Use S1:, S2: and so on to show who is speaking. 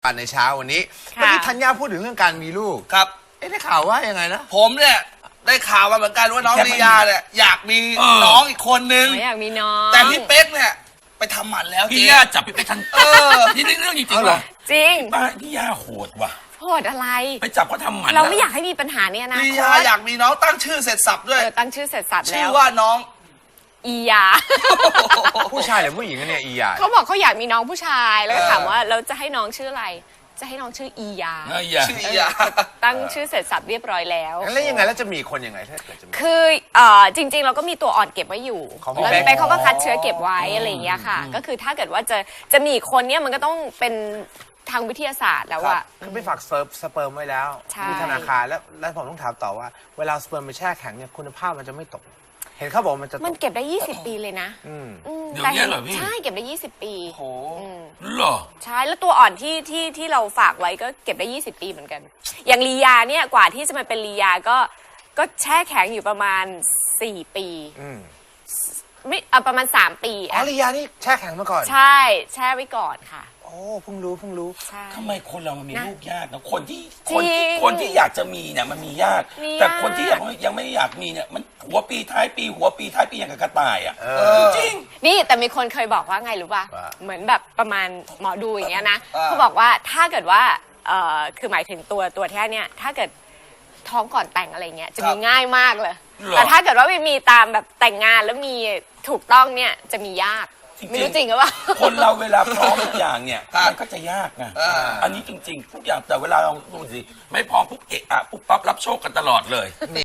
S1: ญในเช้าวันนี้เมื่อกี้ธัญญาพูดถึงเรื่องการมีลูก
S2: ครับ
S1: ได้ข่าวว่ายังไงนะ
S2: ผมเนี่ยได้ข่าวมาเหมือนกันว่าน้องลียาเนี่ยอยากมีน้องอีกคนนึง
S3: ไม่อยากมีน้อง
S2: แต่พี่เป๊กเนี่ยไปทำหมันแล้ว
S4: พี่
S2: เจ๊
S4: ย่าจับพี่ไปทันนี่เรื่องจริงๆเหรอ
S3: จริง
S4: บ้านพี่ย่าโหดว่ะ
S3: โหดอะไร
S4: ไปจับเขาทำหมัน
S3: เราไม่อยากให้มีปัญหาเนี่ยนะ
S2: ลียาอยากมีน้องตั้งชื่อเสร็จสับด้วย
S3: ตั้งชื่อเสร็จสับ
S2: ชื่
S3: แล้
S2: อ
S3: ว
S2: ว่าน้อง
S3: อียา
S1: ผู้ชายหรือผู้หญิงกันเนี่ยอีหยา
S3: เขาบอกเขาอยากมีน้องผู้ชายแล้วก็ถามว่าเราจะให้น้องชื่ออะไร จะให้น้องชื่ออียา
S2: ชื่อลียา
S3: ตั้งชื่อเสร็จสับเรียบร้อยแล้ว
S1: แล้วยังไงแล้วจะมีคนยังไงถ้าเกิดจะมี
S3: คือจริงๆ เราก็มีตัวอ่อนเก็บไว้อยู่
S1: ของพี่
S3: แล้ว
S1: เป๊ก
S3: เป๊กเขาก็คัดเชื้อเก็บไว้อะไรอย่างเงี้ยค่ะ ก็คือถ้าเกิดว่าจะมีอีกคนเนี่ยมันก็ต้องเป็นทางวิทยาศาสตร์แล้วอะ
S1: คือไปฝากสเปิร์มไว้แล้ว
S3: ใช่
S1: ที่ธนาคารแล้วผมต้องถามต่อว่าเวลาสเปิร์มไปแช่แข็งเนี่ยคุณภาพมันจะไม่ตก เห็นเขาบอกมันจะต
S3: มัน
S1: ก
S3: เก็บได้ 20 ปีเลยนะ
S1: อืม
S4: เดี๋ยวนี้เหรอพี่
S3: ใช่เก็บได้ 20 ปี
S2: โอ้โห
S4: เหรอ
S3: ใช่แล้วตัวอ่อนที่เราฝากไว้ก็เก็บได้ 20 ปีเหมือนกัน อย่างลียาเนี่ยกว่าที่จะมาเป็นลียาก็แช่แข็งอยู่ประมาณ 4 ปี
S1: อืม
S3: ไม่ประมาณ 3 ปี
S1: อ๋อลียานี่แช่แข็งมาก่อน
S3: ใช่แช่ไว้ก่อนค่ะ
S1: โอ้เพิ่งรู้
S3: ใช่
S4: ทำไมคนเรามันมี
S3: นะ
S4: ลูกยากนะคนที่
S3: จริง
S4: คนที่อยากจะมีเนี่ยมันมียาก
S3: มี
S4: แต่
S3: ยาก
S4: คนที่ยังไม่อยากมีเนี่ยมันหัวปีท้ายปีหัวปีท้ายปีอย่างกับกระต่ายอ่ะ
S1: เออ
S4: จริง
S3: นี่แต่มีคนเคยบอกว่าไงรู้ป่ะ
S1: ว่า
S3: เหมือนแบบประมาณหมอดูอย่างเงี้ยนะ
S2: อ่า
S3: เขาบอกว่าถ้าเกิดว่าคือหมายถึงตัวแท้เนี่ยถ้าเกิดท้องก่อนแต่งอะไรเงี้ยจะมีง่ายมากเลย
S4: หรอ
S3: แต่ถ้าเกิดว่าไม่มีตามแบบแต่งงานแล้วมีถูกต้องเนี่ยจะมียาก
S4: จริงๆ
S3: ไม่รู้จริงหรือเปล่า
S4: คนเราเวลาพร้อมทุกอย่างเนี่ย
S2: ครับ
S4: มันก็จะยากไง
S2: อ่า
S4: อันนี้จริง ๆ ทุกอย่างแต่เวลาเราดูสิไม่พร้อมปุ๊บเอะอะปุ๊บปั๊บรับโชคกันตลอดเลย